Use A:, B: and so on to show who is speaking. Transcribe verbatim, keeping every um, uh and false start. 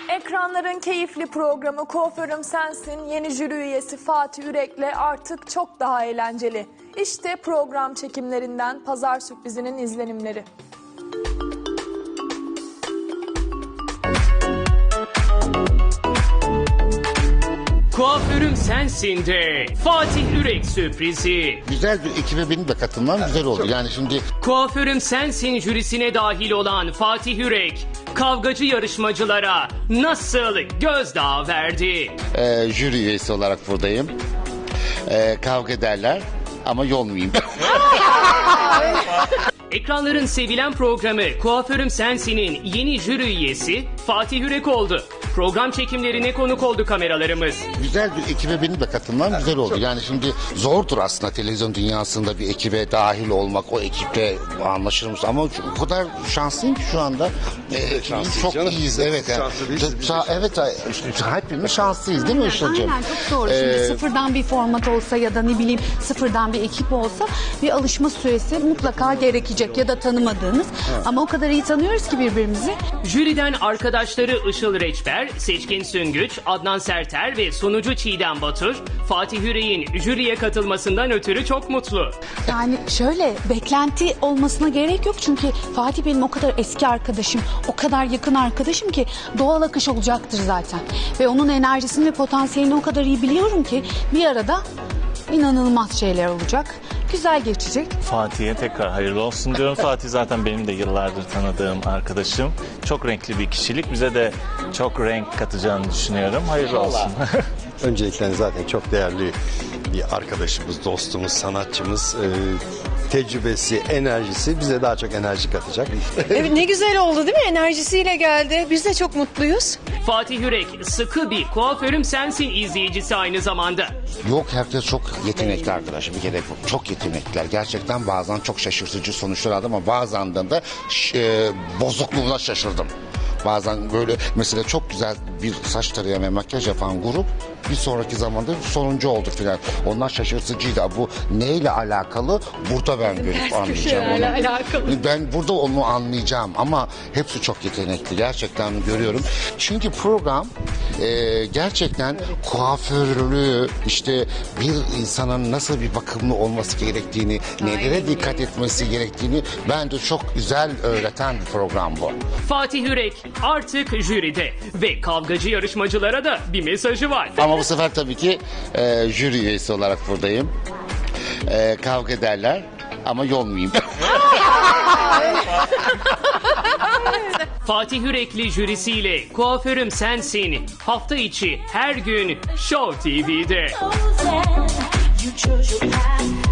A: Ekranların keyifli programı Kuaförüm Sensin yeni jüri üyesi Fatih Ürek'le artık çok daha eğlenceli. İşte program çekimlerinden Pazar Sürprizi'nin izlenimleri.
B: Kuaförüm Sensin de Fatih Ürek sürprizi.
C: Güzel bir ekibe benim de katılmam güzel oldu. Yani şimdi
B: Kuaförüm Sensin jürisine dahil olan Fatih Ürek, kavgacı yarışmacılara nasıl gözdağı verdi?
C: e, jüri üyesi olarak buradayım. E, kavga ederler ama yolmayayım.
B: Ekranların sevilen programı Kuaförüm Sensin'in yeni jüri üyesi Fatih Ürek oldu. Program çekimlerine konuk oldu kameralarımız.
C: Güzel bir ekibe benim de katılmam güzel oldu. Yani şimdi zordur aslında televizyon dünyasında bir ekibe dahil olmak, o ekiple anlaşır mısın? Ama o kadar şanslıyım ki şu anda. E, çok
D: canım.
C: iyiyiz, evet. Yani.
D: Şanslı değilsiniz, biz de
C: Şa- evet, hepimiz şanslıyız değil mi Işıl'cığım?
E: Aynen, çok doğru. Şimdi
C: Ee,
E: sıfırdan bir format olsa ya da ne bileyim sıfırdan bir ekip olsa bir alışma süresi mutlaka gerekecek ya da tanımadığınız. Ama o kadar iyi tanıyoruz ki birbirimizi.
B: Jüriden arkadaşları Işıl Reçber, Seçkin Süngüç, Adnan Serter ve sunucu Çiğdem Batur, Fatih Ürek'in jüriye katılmasından ötürü çok mutlu.
E: Yani şöyle beklenti olmasına gerek yok çünkü Fatih benim o kadar eski arkadaşım, o kadar yakın arkadaşım ki doğal akış olacaktır zaten. Ve onun enerjisini ve potansiyelini o kadar iyi biliyorum ki bir arada inanılmaz şeyler olacak. Güzel geçecek.
F: Fatih'e tekrar hayırlı olsun diyorum. Fatih zaten benim de yıllardır tanıdığım arkadaşım. Çok renkli bir kişilik. Bize de çok renk katacağını düşünüyorum. Hayırlı olsun.
D: Öncelikle zaten çok değerli bir arkadaşımız, dostumuz, sanatçımız. E, tecrübesi, enerjisi bize daha çok enerji katacak.
G: Evet, ne güzel oldu değil mi? Enerjisiyle geldi. Biz de çok mutluyuz.
B: Fatih Ürek sıkı bir Kuaförüm Sensin izleyicisi aynı zamanda.
C: Yok, herkes çok yetenekli arkadaşım. Bir kere çok yetenekliler. Gerçekten bazen çok şaşırtıcı sonuçlar aldım ama bazen de e, bozukluğuna şaşırdım. Bazen böyle mesela çok güzel bir saç tarayan ve makyaj yapan grup bir sonraki zamanda sonuncu oldu filan. Onlar şaşırtıcıydı. Bu neyle alakalı? Burada ben görüp anlayacağım onu.
G: alakalı.
C: Ben burada onu anlayacağım ama hepsi çok yetenekli. Gerçekten görüyorum. Çünkü program e, gerçekten kuaförlüğü, işte bir insanın nasıl bir bakımlı olması gerektiğini, nelere dikkat etmesi gerektiğini bence çok güzel öğreten bir program bu.
B: Fatih Ürek artık jüride ve kavgacı yarışmacılara da bir mesajı var.
C: Ama bu sefer tabii ki e, jüri üyesi olarak buradayım. E, kavga ederler ama yolmayayım.
B: Fatih Ürekli jürisiyle Kuaförüm Sensin hafta içi her gün Show T V'de.
H: You chose your path.